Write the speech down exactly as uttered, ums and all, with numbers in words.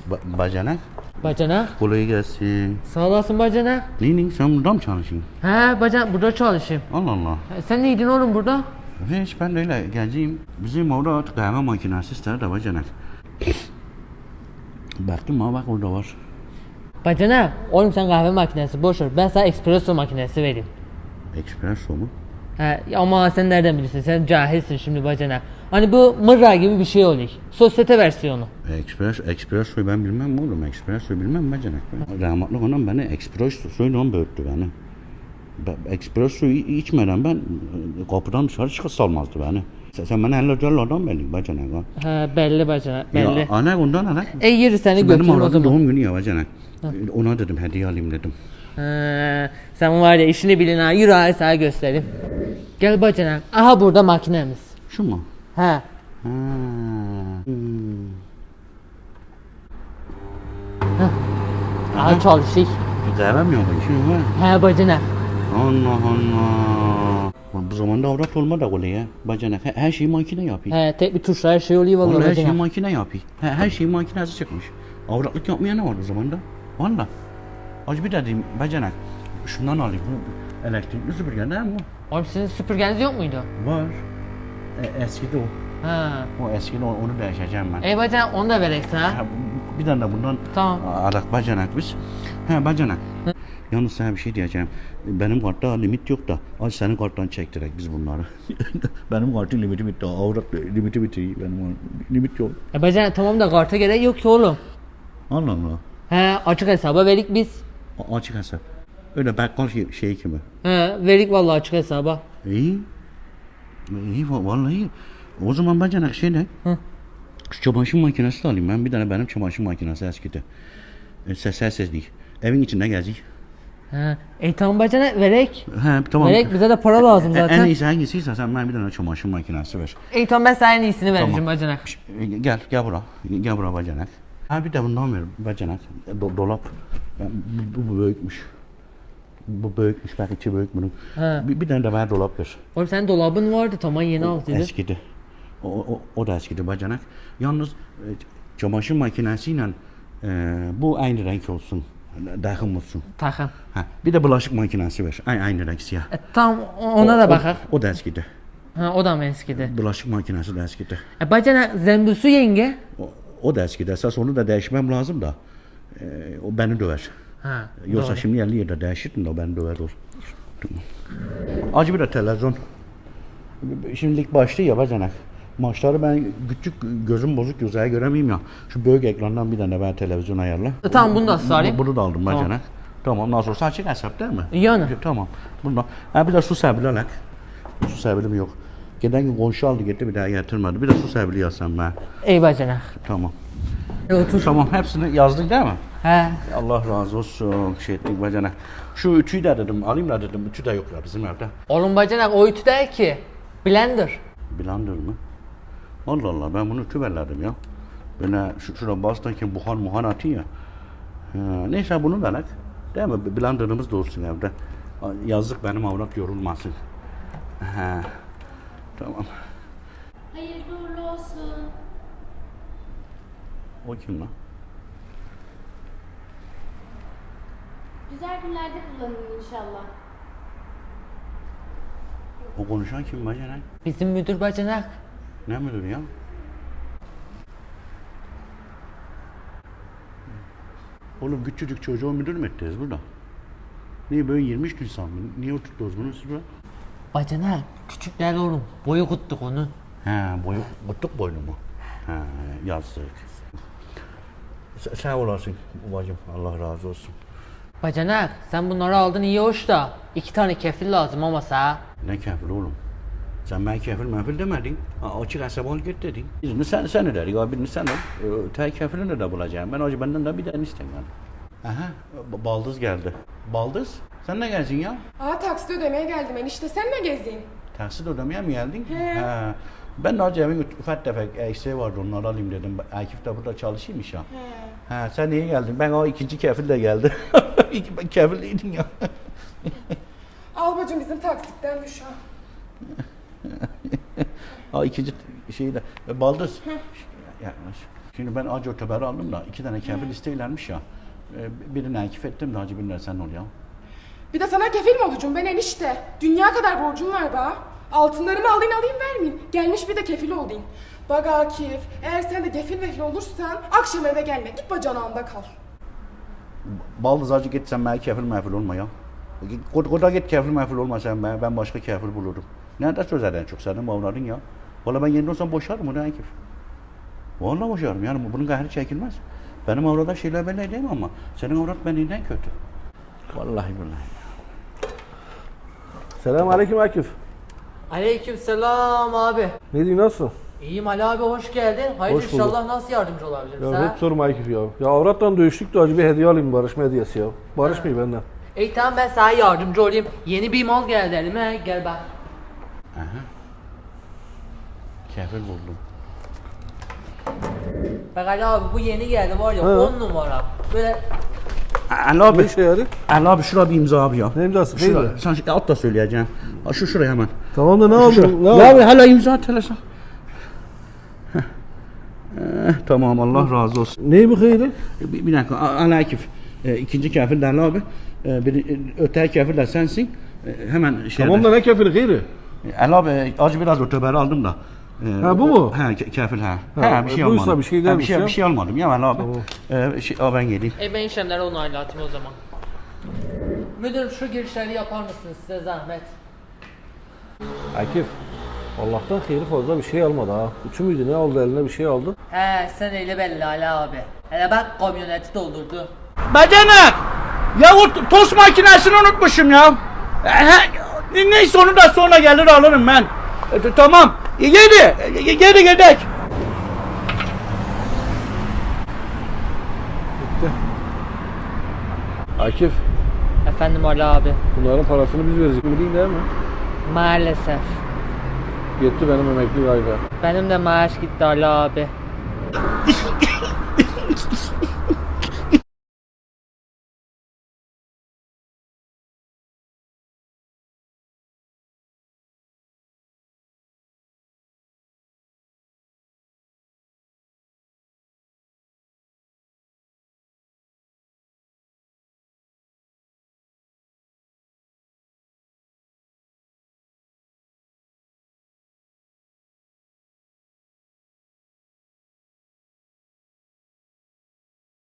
Ba bacanak. Bacanak. Kolay gelsin. Sağ olasın bacanak. Neyinin sen burada mı çalışıyorsun? He bacanak burada çalışayım. Allah Allah. E, sen neydin oğlum burada? Hiç ben de öyle geleceğim. Bizim orada kahve makinesi ister de bacanak. Baktım ha bak orada var. Bacanak. Oğlum sen kahve makinesi boş ver. Ben sana espresso makinesi vereyim. Espresso mu? He ama sen nereden bilirsin? Sen cahilsin şimdi bacanak. Hani bu mırra gibi bir şey oluyor. Sosyete versiyonu. Espresso, espressoyu ben bilmem mi oğlum? Espressoyu bilmem bacanak. Rahmetli anam beni espressoyla on büyüttü beni. Espressoyu içmeden ben kapıdan dışarı çıkıp salmazdı beni. Sen, sen bana elle cellardan belli bacanak ha. He belli bacanak belli. Ya ana ondan ana. E yürü seni Benim götürün o oğlanın zaman. doğum günü ya bacanak. Ona dedim hediye alayım dedim. He, sen var ya işini bilin ha. Yürü ha sana göstereyim. Gel bacanak. Aha burada makinemiz. Şu mu? He. Ha. Hmm. Aha çalışıyor. Kahvem yok işin var. He bacanak. Allah Allah. Bu zamanda avrat olma da kolay ya. Bacanak her, her şeyi makine yapıyor. He tek bir tuşla her şey oluyor vallahi Vallahi her şeyi bacanak. makine yapıyor. Her, her şeyi makinesi çıkmış. Avratlık yapmaya ne var o zamanda? Valla. Acı bir dedim bacanak. Şundan alayım. Bu elektrikli süpürge değil mi o? Oğlum sizin süpürgeniz yok muydu? Var. E, eskidi o. Ha. O eskidi o, onu değişeceğim ben. Ey bacanak onu da verek sana. Ha, bu- bir tane de bundan Tamam. alak bacanak biz. He bacanak. Yalnız sana bir şey diyeceğim. Benim kartta limit yok da. Ay senin karttan çektirek biz bunları. Benim kartın limiti bitti. Avrat limiti bitti. Benim limit yok. E bacanak tamam da karta gerek yok ki oğlum. Allah Allah. He açık hesaba verik biz. A- açık hesap. Öyle bakkal şey, şey gibi. He verik vallahi açık hesaba. İyi. İyi va- vallahi iyi. O zaman bacanak şey ne? Hı. Şu çamaşır makinesi de alayım ben. Bir tane benim çamaşır makinesi eskidi. E, ses ses değil. Evin içinde gelecek. He. E tamam bacanak verek. He tamam. Verek bize de para lazım E, zaten. En iyisi hangisiyse sen bana bir tane çamaşır makinesi ver. E tamam ben sana en iyisini vereceğim Tamam. bacanak. E, Gel, gel bura. Gel bura bacanak. Ha bir de bundan ver bacanak. Do- dolap. Ben, bu, bu büyükmüş. Bu büyükmüş. Bak içi büyük bunun. He. Bir, bir tane de bana dolap ver. Oğlum senin dolabın vardı tamam yeni al dedi. Eskidi. O, o, o da eskidi bacanak. Yalnız e, çamaşır makinesiyle e, bu aynı renk olsun. Dahım olsun. Takım. Ha, bir de bulaşık makinesi ver. Aynı, aynı renk siyah. E tamam ona da bakak. O, o da eskidi. Ha o da mı eskidi? Bulaşık makinesi de eskidi. E bacanak zembüsü yenge. O, o da eskidi. Esas onu da değişmem lazım da. E, o beni döver. Ha. Yoksa doğru. şimdi elli yerde değişirdin de o beni döver olur. Acı bir de televizyon. Şimdilik başlı ya bacanak. Maçları ben küçük gözüm bozuk gözeye göremeyeyim ya. Şu büyük ekrandan bir tane ben televizyon ayarla. E, tamam bunu da sarayım. Bu- Bunu da aldım Tamam. bacanak. Tamam nasıl olsa açık hesap değil mi? Yani. Tamam. Bundan. Ha bir de su sebili alak. Su sebilim yok. Geçen gün komşu aldı gitti bir daha getirmedi. Bir de su sebili yazsam ben. Ey bacanak. Tamam. E otur. Tamam hepsini yazdık değil mi? He. Allah razı olsun şey ettik bacanak. Şu ütüyü de dedim alayım da dedim ütü de yok ya bizim evde. Oğlum bacanak o ütü değil ki. Blender. Blender mı? Allah Allah ben bunu ütü verlerdim ya. Böyle şu, şurada bastırken buhar muhar atıyor ya. Ha, neyse bunu da alak. Değil mi? Blenderımız da olsun evde. Yazık benim avrat yorulmasın. Ha. Tamam. Hayırlı uğurlu olsun. O kim lan? Güzel günlerde kullanın inşallah. O konuşan kim bacanak? Bizim müdür bacanak. Ne müdür ya? Oğlum küçücük çocuğu müdür mü ettiniz burada? Niye böyle yirmi üç insan mı? Niye oturttunuz bunu siz burada? Bacanak küçükler oğlum. Boyu kuttuk onu. He, boyu, kutluk boynu mu? He, yazık. Sen, sağ olasın babacığım, Allah razı olsun. Bacanak sen bunları aldın iyi hoş da. iki tane kefil lazım ama sana. Ne kefil oğlum? Sen ben kefil mefil demedin. Ha, açık hesap al git dedin. Birini sen, sen ödedik, abi birini sen al. Ee, Tay kefilini de bulacağım. Ben acı benden de bir tane istemiyorum. Aha, b- baldız geldi. Baldız, sen ne geldin ya? Aa taksit ödemeye geldim enişte sen ne gezdin? Taksit ödemeye mi geldin? He. Ha. Ben de acı evin ufak tefek eksiği vardı onları alayım dedim. Akif de burada çalışıyormuş ya. He. Ha sen niye geldin? Ben o ikinci kefil de geldi. Ben kefiliydim ya. Al bacım bizim taksitten düş ha. Ha ikinci şeyi de. E, Baldız. Yaklaş. Şimdi ben acı öteberi aldım da iki tane kefil isteylermiş ya. Ee, birini Akif ettim de hacı binler sen ol ya. Bir de sana kefil mi olacağım ben enişte? Dünya kadar borcum var be. Altınlarımı alayım alayım vermeyeyim. Gelmiş bir de kefil olayım. Bak Akif, eğer sen de kefil vefil olursan akşam eve gelme. Git bacanağında kal. Baldız acı git sen bana kefil mefil olma ya. Koda, koda git kefil mefil olma sen ben, ben başka kefil bulurum. Nerede sözer en çok senin mavladın ya. Valla ben yerinde olsam boşarım onu Akif. Vallahi boşarım yani bunun gayrı çekilmez. Benim avrada şeyler belli değil ama senin avrat benimden kötü. Vallahi billahi. Selam aleyküm Akif. Aleykümselam abi. Ne diyorsun, nasılsın? İyiyim Ali abi, hoş geldin. Hayır, Hoş bulduk. inşallah nasıl yardımcı olabilirim Ya sana? hep sorma Akif ya. Ya avratla dövüştük de acı bir hediye alayım, barışma hediyesi ya. Barışmayı benden. İyi tamam, ben sana yardımcı olayım. Yeni bir mal geldi elime, gel bak. Aha. Kefil buldum. Bak Ali abi, bu yeni geldi var ya, He. on numara. Böyle Ali abi. Ne işe yarıyor? Ali abi şurada bir imza abi ya. Ne imzası? Şura, Neydi? sen şu- at da söyleyeceğim. Ha, şu şuraya hemen. Tamam da ne Şu şuraya. aldın? Ne Ya aldın? abi hala imza at hele sen. Heh. Eh, tamam Allah razı olsun. Neyi bu hayırı? Bir, bir dakika A- Ali Akif. E, ikinci kafir de Ali abi. E, bir, e, öteki kafir de sensin. E, hemen şey. Tamam da ne kefili hayırı? Ali abi e, acı biraz öteberi aldım da. E, Ha, bu o- mu? He ke- kafir ha. Ha, He bir şey buysa almadım. bir şey Ha, bir dermiş şey, ya. bir şey almadım ya Ali abi. Tamam. E, şey, a, ben geleyim. E ben işlemleri onaylatayım o zaman. Müdürüm, şu girişleri yapar mısınız, size zahmet? Akif. Allah'tan hayırı fazla bir şey almadı ha. Üçü müydü, ne aldı eline bir şey aldı. He, sen öyle belli Ali abi. Hele bak, kamyoneti doldurdu. Bacanak! Ya o tost makinesini unutmuşum ya. E, he, neyse onu da sonra gelir alırım ben. E, t- tamam. E, geri, e, geri gidek. Akif. Efendim Ali abi. Bunların parasını biz verecek. Bildiğin değil mi? Maalesef. Gitti benim emekli galiba. Benim de maaş gitti Ali abi.